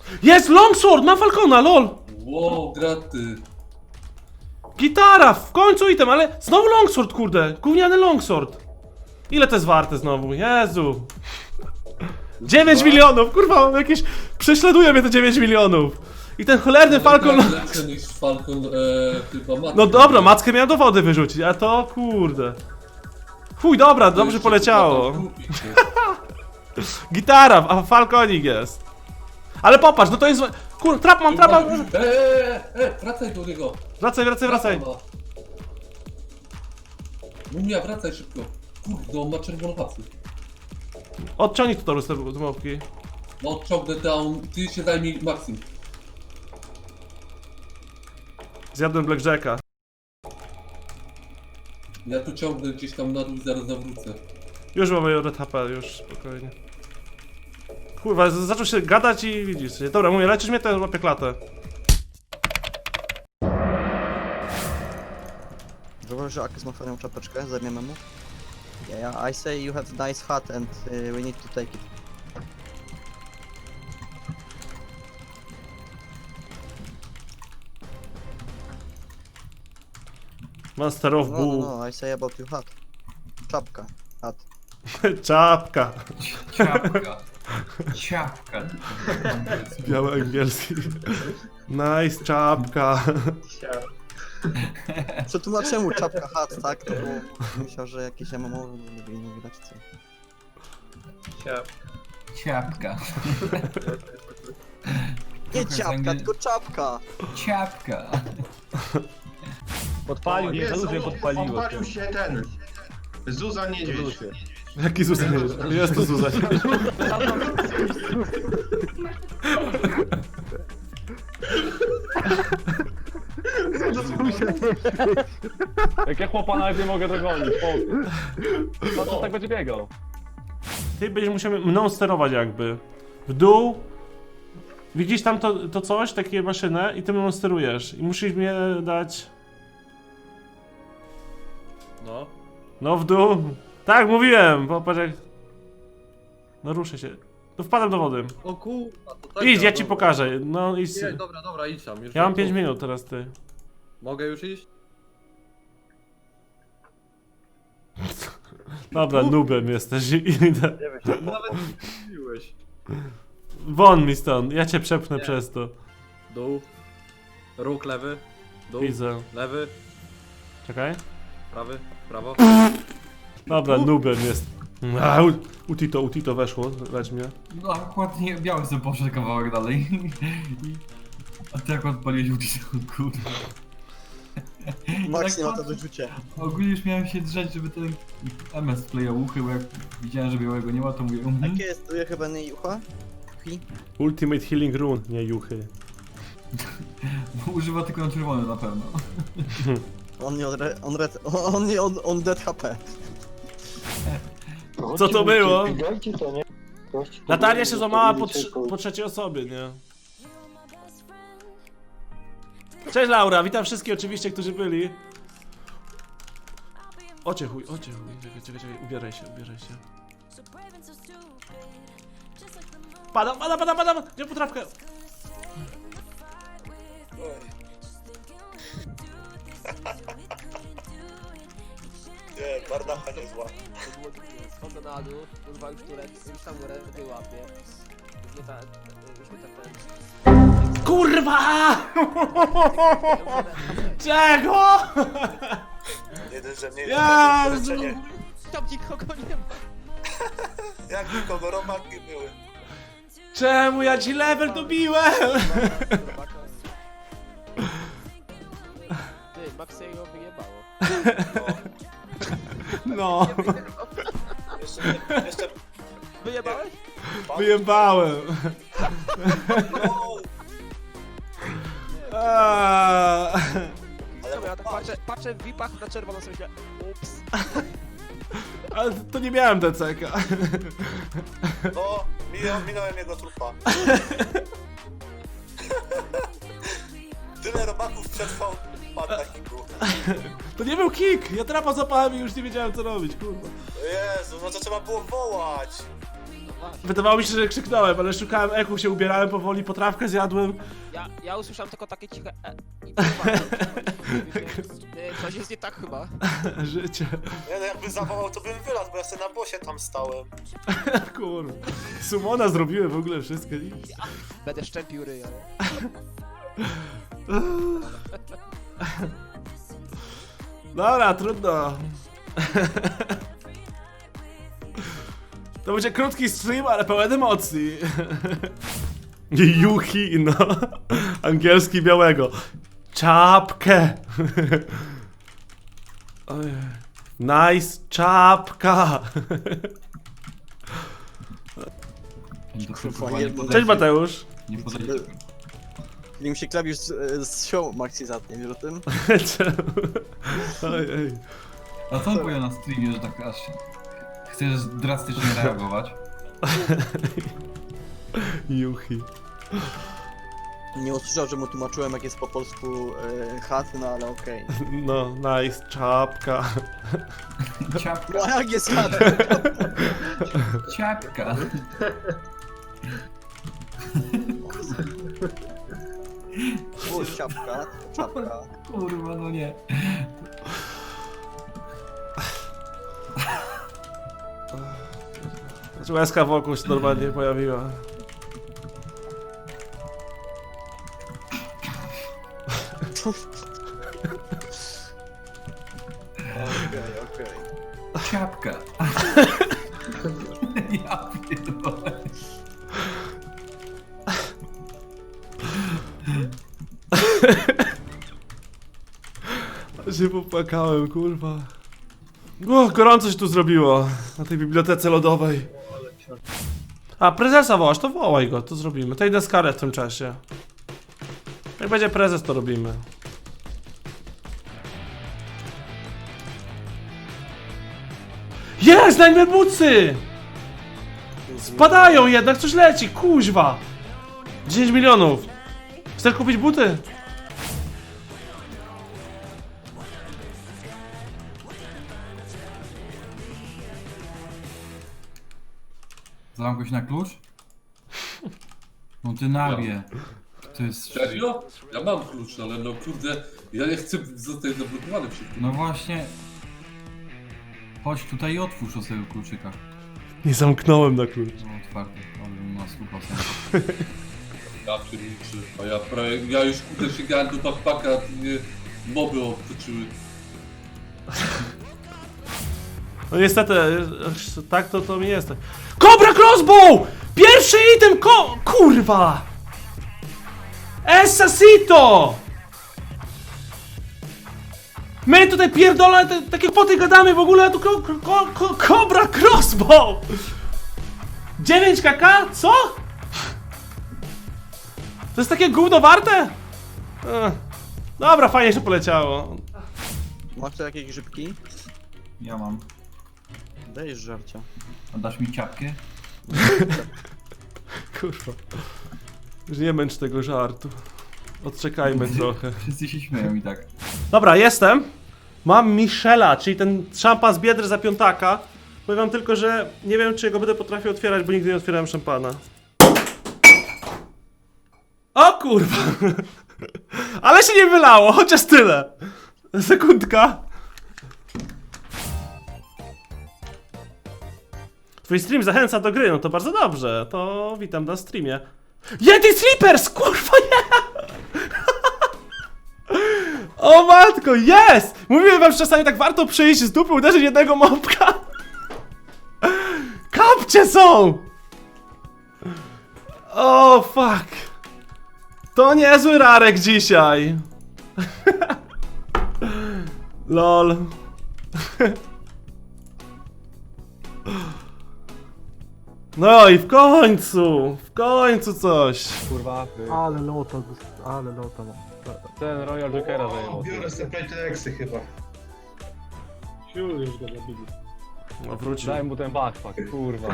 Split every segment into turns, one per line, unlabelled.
Jest longsword, mam Falcona, lol!
Wow, graty.
Gitara, w końcu item, ale znowu longsword, kurde, gówniany longsword. Ile to jest warte znowu, Jezu. 9 milionów, kurwa, jakieś... Prześladuje mnie te 9 milionów. I ten cholerny Falcon...
Lepsze niż Falcon, chyba matkę.
No dobra, mackę miałem do wody wyrzucić, a to kurde. Chuj, dobra, dobrze poleciało. Gitara, a Falconik jest. Ale popatrz, no to jest... Kur... Trap mam, trapa...
Wracaj do niego.
Wracaj.
Mumia, wracaj szybko. Kurde, on ma czerwoną pasy.
Odciągnij tu toru z tej mopki.
No odciągnę down, ty się zajmij Maxim.
Zjadłem Blackjacka.
Ja tu ciągnę gdzieś tam na dół i zaraz zawrócę.
Już mamy red HP, już spokojnie. Kurwa, zaczął się gadać i widzisz. Dobra, mówię, leczysz mnie, to ja łapię klatę.
Zauważ, że Akis ma fajną czapeczkę, zajmiemy mu. Yeah, I say you have nice hat and we need to take it.
Master of
No,
Bull.
no, I say about your hat. Czapka. Hat.
Czapka.
Ciapka.
Biały angielski. Nice, czapka.
Przetłumaczę mu czapka hat, tak? To było... Myślał, że jakieś MMO nie widać co.
Ciapka.
Nie ciapka, tylko czapka!
Ciapka.
Podpalił, nie,
Jest,
ludzie podpaliło.
odpalił się ten. Zuza Niedźwiedź.
Jaki Zuzan jest? Jest to Zuzan.
Jak ja chłopa nawet nie mogę dogonić, po co tak będzie biegał?
Ty będziesz musiał mną sterować jakby. W dół. Widzisz tam to coś, takie maszynę i ty mną sterujesz. I musisz mnie dać...
No.
No w dół. Tak, mówiłem, popatrz jak... No ruszę się. No wpadam do wody.
O kurwa, to tak.
Idź, ja ci pokażę. No i...
Nie, dobra, idź tam. Już
Ja mam
tu.
5 minut teraz, ty.
Mogę już iść?
Dobra, nubem jesteś. Idę.
Nawet nie mówiłeś.
Won mi stąd, ja cię przepchnę
Nie.
przez to.
Dół. Róg lewy. Dół.
Widzę.
Lewy.
Czekaj.
Prawy. Prawo.
Dobra, nubem jest. A, Utito weszło, leć mnie.
No akurat nie, biały sobie poszedł kawałek dalej. A ty akurat paliłeś ulicę, kurwa.
Max nie ma
Tak
to wyrzucie.
Ogólnie już miałem się drzeć, żeby ten MS wklejał uchy, bo jak widziałem, że białego nie ma, to mówię
Jakie jest tu chyba nie jucha? Juchi?
Ultimate Healing Rune, nie juchy.
Używa tylko na czerwone na pewno.
On dead HP.
Co to było? Natalia się złamała po trzeciej osobie, nie? Cześć Laura, witam wszystkich oczywiście, którzy byli. Ocie chuj. Czekaj, ubieraj się. Padam, gdzie potrawkę?
Nie, bardacha nie zła.
Schodzę na dół, kurwa już tam rękę łapię. Już mnie ten...
Kurwa! Czego?
Jeden, że mnie
Jezu!
leczenie.
Tam nikogo nie ma.
Jak nikogo, romaki były.
Czemu ja ci level dobiłem?
Ty, Maxa ją wyjebało.
No,
Jeszcze...
Wyjebałeś?
wyjebałem.
No,
Czemu ja tak patrzę w VIP-ach na czerwono sobie myślę, ups.
Ale to nie miałem DCK.
no, minąłem jego trupa. Tyle robaków przetrwał, padł na kiku.
To nie był kick, ja trapa zapałem i już nie wiedziałem co robić, kurwa.
Jezu, no to trzeba było wołać.
właśnie.
Wydawało mi się, że krzyknąłem, ale szukałem eku, się ubierałem powoli, potrawkę zjadłem.
Ja usłyszałem tylko takie ciche i próbowałem. Coś jest nie tak chyba.
Życie.
Ja jakby zawołał, to bym wylazł, bo ja sobie na bosie tam stałem.
Kurwa. Sumona zrobiłem w ogóle wszystko. Nic.
Będę szczępił ryja.
Dobra, trudno. To będzie krótki stream, ale pełen emocji. Yuhi, no. Angielski białego. Czapkę. Ojej. Nice czapka.
Kurwa, nie
Cześć Mateusz.
Nie podejdzie.
Nim się klawisz z show Maxi zatnie, wiesz o tym?
Ojej.
A co on powie na streamie, że tak aż chcesz drastycznie reagować?
Yuhi.
Nie usłyszał, że mu tłumaczyłem jak jest po polsku chat, no ale okej.
No, nice czapka.
Ciapka,
No a jak jest chat?
ciapka.
O, ciapka, czapka.
Kurwa, no nie.
Łezka wokół się normalnie pojawiła.
Okej.
Ciapka. Ja pierdolę.
Się popłakałem, kurwa. O, gorąco się tu zrobiło. Na tej bibliotece lodowej. A, prezesa wołasz, to wołaj go, to zrobimy. To idę z karę w tym czasie. Jak będzie prezes, to robimy. Jest, Nightmare Bootsy! Spadają jednak, coś leci, kuźwa! 10 milionów. Chcesz kupić buty?
Zamknąć na klucz? No ty nabie. To jest...
Serio? Ja mam klucz, ale no kurde, ja nie chcę zostać zablokowany przy tym.
No właśnie... Chodź tutaj i otwórz o swojego kluczyka.
Nie zamknąłem na klucz.
No otwarty, ale na 100%.
Ja pierniczy, a ja prawie, ja już kurde sięgałem do backpacka, a mnie moby obtoczyły.
No niestety, tak to mi jest. Cobra Crossbow! Pierwszy item kurwa! Esasito! My tutaj pierdolę, takie poty gadamy w ogóle, a tu Cobra Crossbow! 9 kk? Co? To jest takie gówno warte? Dobra, fajnie się poleciało.
Masz tu jakieś grzybki?
Ja mam.
Dajesz żarcia.
A dasz mi ciapkę?
Kurwa. Już nie męcz tego żartu. Odczekajmy trochę.
Wszyscy się śmieją i tak.
Dobra, jestem. Mam Michela, czyli ten szampan z Biedry za piątaka. Powiem wam tylko, że nie wiem, czy go będę potrafił otwierać, bo nigdy nie otwierałem szampana. O kurwa! Ale się nie wylało, chociaż tyle. Sekundka. Twój stream zachęca do gry, no to bardzo dobrze. To witam na streamie. Yeti Sleepers! Kurwa nie! O matko, jest! Mówiłem wam, że czasami tak warto przyjść z dupy, uderzyć jednego mopka. Kapcie są! O fuck. To niezły rarek dzisiaj. Lol. No i w końcu coś.
Kurwa.
Ale lota, no.
Ten Royal Jokera zajmował.
Biorę sobie Playtexy chyba.
Już go zabili.
No wrócił.
Daj mu ten backpack, kurwa.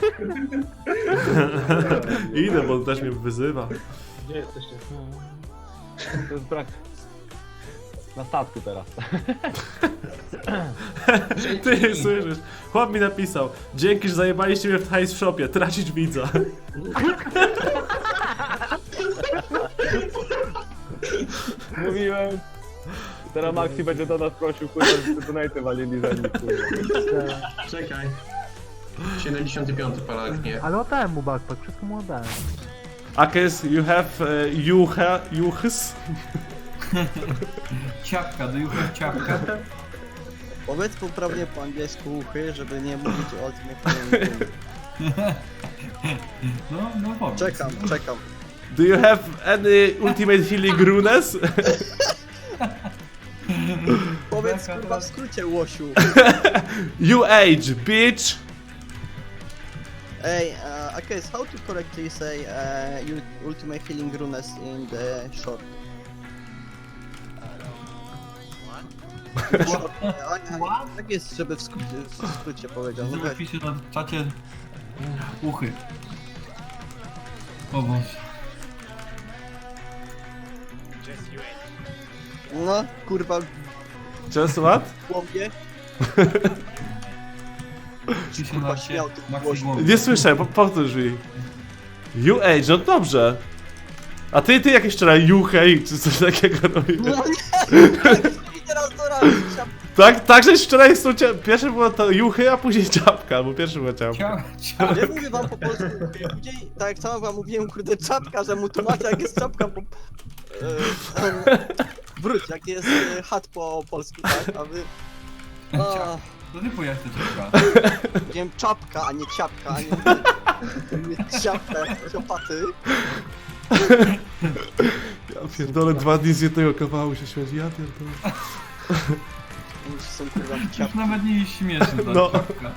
Idę, bo on też mnie wyzywa.
Gdzie jesteście?
To jest brak. Na statku teraz.
Ty słyszysz? Chłop mi napisał: dzięki, że zajebaliście mnie w hajs w shopie, tracić widza.
Mówiłem. Teraz Maxi będzie do nas prosił, kurwa, żeby donate walili za nich, kurwa.
Czekaj. 75 palak, nie.
Ale oddałem mu backpack, wszystko mu oddałem.
Akes, you have juhys?
Ciapka, do jucha ciapka.
Powiedz poprawnie po angielsku uchy, żeby nie mówić o Ultimate.
No powiedz.
Czekam.
Do you have any ultimate healing runes?
Powiedz kurwa w skrócie, łosiu.
You age, bitch!
Hey, Akes, how to correctly say Ultimate Healing Runes in the short? Tak jest, żeby w skrócie powiedział. No
Żeby
weź.
pisze na czacie uchy. O Boże.
No, kurwa,
Just what?
w głowie.
Pisze
Kurwa,
na
śmiał tym
Maxi
głosem.
głowy.
Nie słyszę, powtórz mi. You age, no dobrze. A ty jakieś wczoraj you hej, czy coś takiego robiłeś?
No nie! I teraz do razu.
Tak, żeś wczoraj pierwsze było to juchy, a później czapka, bo pierwszy była czapka.
Nie mówię wam po polsku. Później, tak jak sam wam mówiłem, kurde, czapka, że mu tłumaczę, jak jest czapka po... wróć, jak jest chat po polsku, tak? A wy... A,
To ty pojechać to ciapka.
wiem, czapka, a nie ciapka, a nie ciapka, jak ciopaty.
Ja pierdolę, 2 dni z jednego kawału się śmiać, ja pierdolę.
Już są kurwa
Już
ciapki.
nawet nie jest śmieszne ta
No.
ciapka.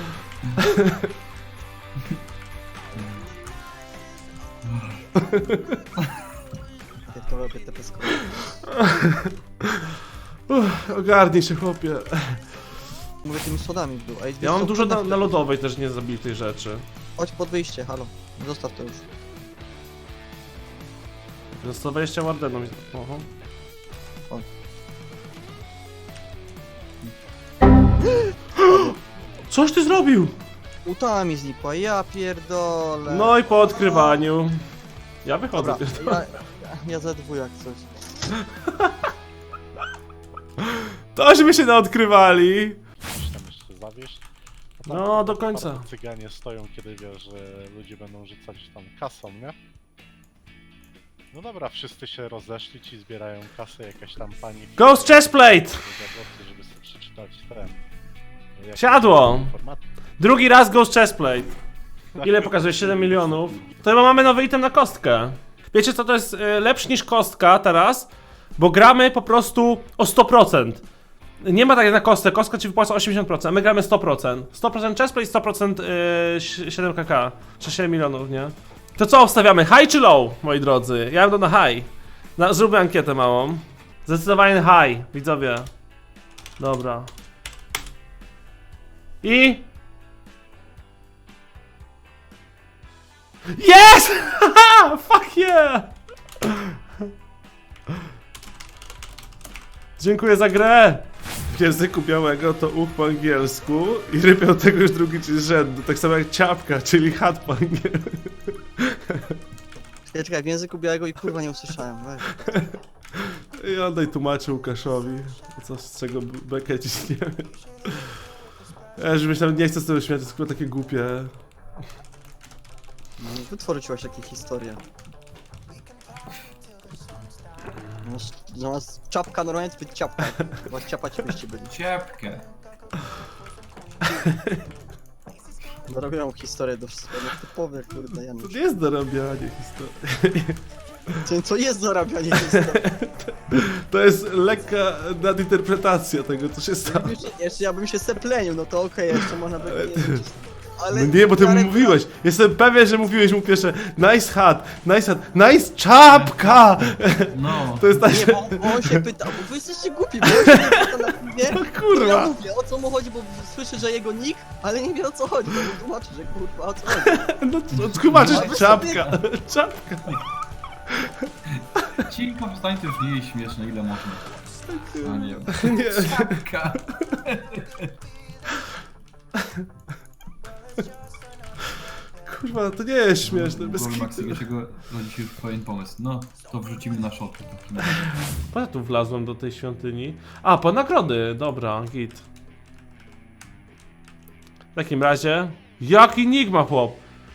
Pierdolę, te peskowe.
Ogarnij się, chłopie.
Mówię, tymi sodami był. Ej,
Ja mam
co,
dużo
kurde,
na lodowej też niezabitej rzeczy.
Chodź pod wyjście, halo. Zostaw to już.
Za 120 wardeną. Oho. Coś ty zrobił!
Uta mi znikła, ja pierdolę.
No i po odkrywaniu. Ja wychodzę.
Dobra, ja za dwu jak coś.
Tośmy się naodkrywali!
Tam jeszcze zawieść.
No, do końca.
Cyganie stoją, kiedy wiesz, że ludzie będą rzucać tam kasą, nie? No dobra, wszyscy się rozeszli, ci zbierają kasę, jakaś tam pani...
Ghost chestplate!
Żeby sobie przeczytać ten... jakieś
Siadło!
informacje.
Drugi raz Ghost chestplate. Ile pokazuje? 7 milionów. To chyba mamy nowy item na kostkę. Wiecie co, to jest lepszy niż kostka teraz, bo gramy po prostu o 100%. Nie ma tak jak na kostce, kostka ci wypłaca 80%, a my gramy 100%. 100% chestplate, 100% 7kk, czy 7 milionów, nie? To co obstawiamy, high czy low, moi drodzy? Ja bym na high. Zróbmy ankietę małą. Zdecydowanie high, widzowie. Dobra. I... Yes! Haha! Fuck yeah! Dziękuję za grę! W języku białego to uch po angielsku i rypią tego już drugi czy z rzędu, tak samo jak ciapka, czyli chat po angielsku.
Czekaj, w języku białego i kurwa nie usłyszałem, weź.
I oddaj tłumaczy Łukaszowi, co z czego bekę ciśniemy. Ja już myślałem, nie chcę z tego śmiać, to jest chyba takie głupie.
Wytworzyłaś jakieś historie. Zamiast czapka normalnie to być ciapka. Chyba ciapać byście byli.
Ciapkę.
Zarabiają historię do wszystkiego, typowe kurde
To
Janusz.
nie jest dorabianie historii.
Co jest zarabianie historii?
To jest lekka nadinterpretacja tego, co się stało.
Jeszcze ja bym się seplenił, no to okej, jeszcze można by nie. Ale
No nie, bo ty mu mówiłeś. Jestem pewien, że mówiłeś mu pierwsze nice hat, nice czapka!
No.
To jest tak,
Nie, bo on się pyta, bo wy jesteście głupi, bo on się pyta na filmie.
No kurwa.
Ja mówię, o co mu chodzi, bo słyszy, że jego nick, ale nie wie o co chodzi, bo mu tłumaczy, że kurwa o co chodzi.
No to tłumaczysz czapka, czapka.
Cicho, wstań, to już nie jest śmieszne, ile można. A nie.
Nie.
Czapka.
Kurwa, to nie jest śmieszne, bez
Gol
kitu.
Maxiego rodzi się pewien pomysł. No, to wrzucimy na szoty.
Po ja tu wlazłem do tej świątyni? A, po nagrody, dobra, git. W takim razie... Jaki nick ma chłop?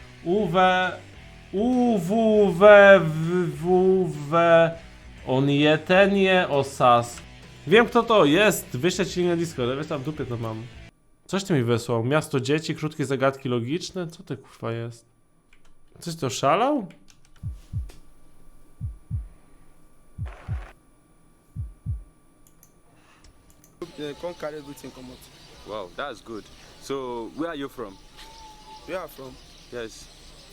On jetenie osas. Wiem kto to jest, wyślę ci na Discord, ale wiesz tam w dupie to mam. Coś ty mi wysłał? Miasto dzieci, krótkie zagadki logiczne? Co to kurwa jest? Coś to szalał?
Can't carry everything come out.
Wow, that's good. So, where are you from?
Where I'm from?
Yes,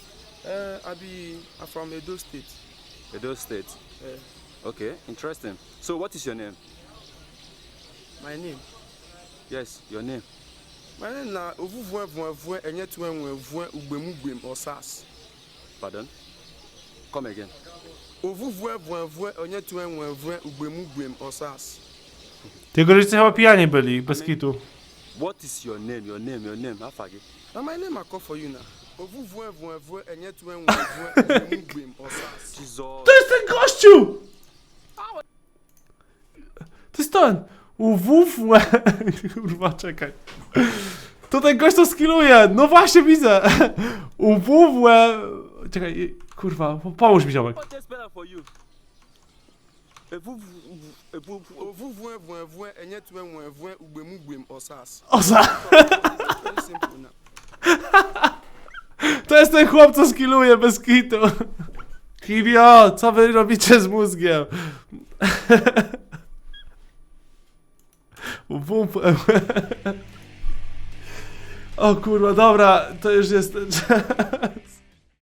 I'm from Edo State.
Edo State. Okay, interesting. So, what is your name?
My name?
Yes, your name.
My name na Ovuvuen Enye Tuenwen Ugbemugem Osas.
Pardon? Come again.
Ovuvuen Enye Tuenwen Ugbemugem Osas.
Jego rodzice chyba pijani byli, bez kitu.
What is your name? Your name. How far?
Now my name I call for you now. Ovuvuen Enye Tuenwen Ugbemugem Osas.
Jesus.
To jest ten gościu! To jest ten! Kurwa, czekaj. To ten gość to skilluje! No właśnie widzę! Czekaj, kurwa, pomóż mi ziomek.
What is better for you?
Ovuvuen Enye Tuenwen Ugbemugem Osas.
Osa!
Very simple now.
To jest ten chłop, co skilluje bez kitu. Hibio, co wy robicie z mózgiem? O kurwa, dobra, to już jest ten czas.